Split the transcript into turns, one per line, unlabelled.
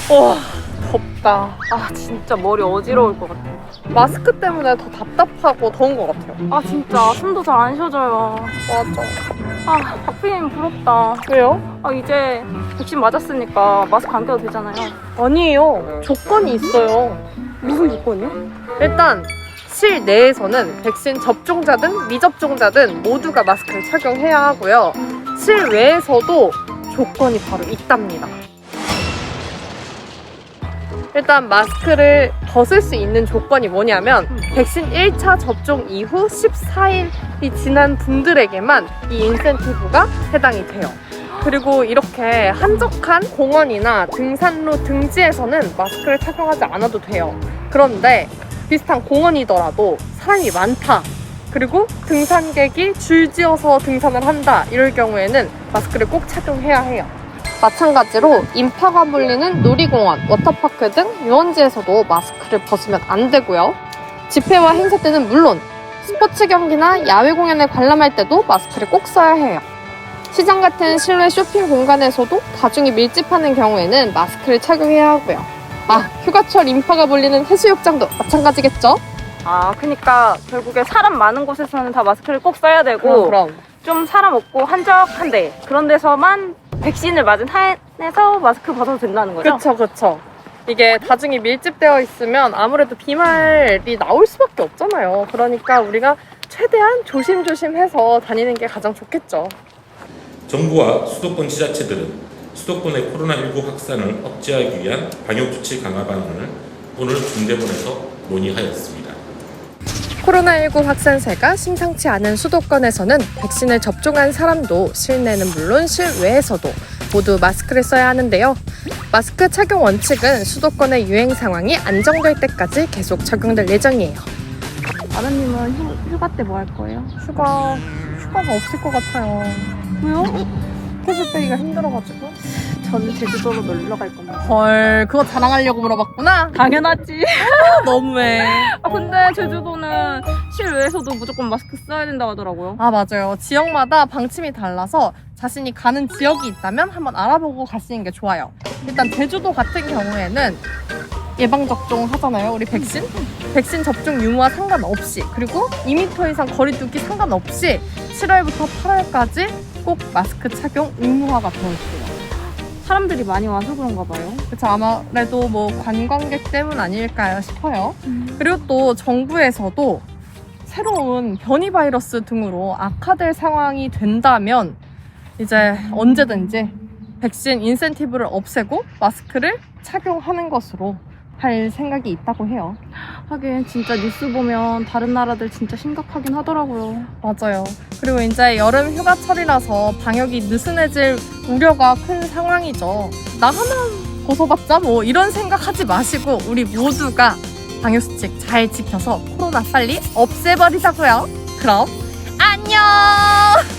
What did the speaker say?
와, 덥다.
아 진짜 머리 어지러울 것 같아.
마스크 때문에 더 답답하고 더운 것 같아요.
아 진짜 숨도 잘 안 쉬어져요.
맞아.
아 박피님 부럽다.
왜요?
아 이제 백신 맞았으니까 마스크 안 껴도 되잖아요.
아니에요. 조건이 있어요.
무슨 조건이요?
일단 실내에서는 백신 접종자든 미접종자든 모두가 마스크를 착용해야 하고요. 실외에서도 조건이 바로 있답니다. 일단 마스크를 벗을 수 있는 조건이 뭐냐면 백신 1차 접종 이후 14일이 지난 분들에게만 이 인센티브가 해당이 돼요. 그리고 이렇게 한적한 공원이나 등산로 등지에서는 마스크를 착용하지 않아도 돼요. 그런데 비슷한 공원이더라도 사람이 많다, 그리고 등산객이 줄지어서 등산을 한다, 이럴 경우에는 마스크를 꼭 착용해야 해요. 마찬가지로 인파가 몰리는 놀이공원, 워터파크 등 유원지에서도 마스크를 벗으면 안 되고요. 집회와 행사 때는 물론 스포츠 경기나 야외 공연을 관람할 때도 마스크를 꼭 써야 해요. 시장 같은 실내 쇼핑 공간에서도 다중이 밀집하는 경우에는 마스크를 착용해야 하고요. 휴가철 인파가 몰리는 해수욕장도 마찬가지겠죠?
아 그러니까 결국에 사람 많은 곳에서는 다 마스크를 꼭 써야 되고
그럼.
좀 사람 없고 한적한데 그런 데서만 백신을 맞은 한에서 마스크 벗어도 된다는 거죠?
그쵸. 이게 다중이 밀집되어 있으면 아무래도 비말이 나올 수밖에 없잖아요. 그러니까 우리가 최대한 조심조심해서 다니는 게 가장 좋겠죠.
정부와 수도권 지자체들은 수도권의 코로나19 확산을 억제하기 위한 방역조치 강화 방안을 오늘 중대본에서 논의하였습니다.
코로나19 확산세가 심상치 않은 수도권에서는 백신을 접종한 사람도 실내는 물론 실외에서도 모두 마스크를 써야 하는데요. 마스크 착용 원칙은 수도권의 유행 상황이 안정될 때까지 계속 적용될 예정이에요.
아라님은 휴가 때 뭐 할 거예요?
휴가가 없을 것 같아요.
왜요?
스케줄 빼기가 힘들어가지고.
저는 제주도로 놀러 갈 겁니다.
헐, 그거 자랑하려고 물어봤구나?
당연하지.
너무해.
근데 제주도는 실외에서도 무조건 마스크 써야 된다고 하더라고요.
맞아요. 지역마다 방침이 달라서 자신이 가는 지역이 있다면 한번 알아보고 가시는 게 좋아요. 일단 제주도 같은 경우에는 예방접종 하잖아요. 우리 백신? 백신 접종 유무와 상관없이, 그리고 2m 이상 거리 두기 상관없이 7월부터 8월까지 꼭 마스크 착용 의무화가 되어 있어요.
사람들이 많이 와서 그런가 봐요.
그래서 아무래도 뭐 관광객 때문 아닐까요 싶어요. 그리고 또 정부에서도 새로운 변이 바이러스 등으로 악화될 상황이 된다면 이제 언제든지 백신 인센티브를 없애고 마스크를 착용하는 것으로 할 생각이 있다고 해요.
하긴 진짜 뉴스 보면 다른 나라들 진짜 심각하긴 하더라고요.
맞아요. 그리고 이제 여름 휴가철이라서 방역이 느슨해질 우려가 큰 상황이죠. 나 하나 벗어봤자 뭐 이런 생각하지 마시고 우리 모두가 방역수칙 잘 지켜서 코로나 빨리 없애버리자고요. 그럼 안녕!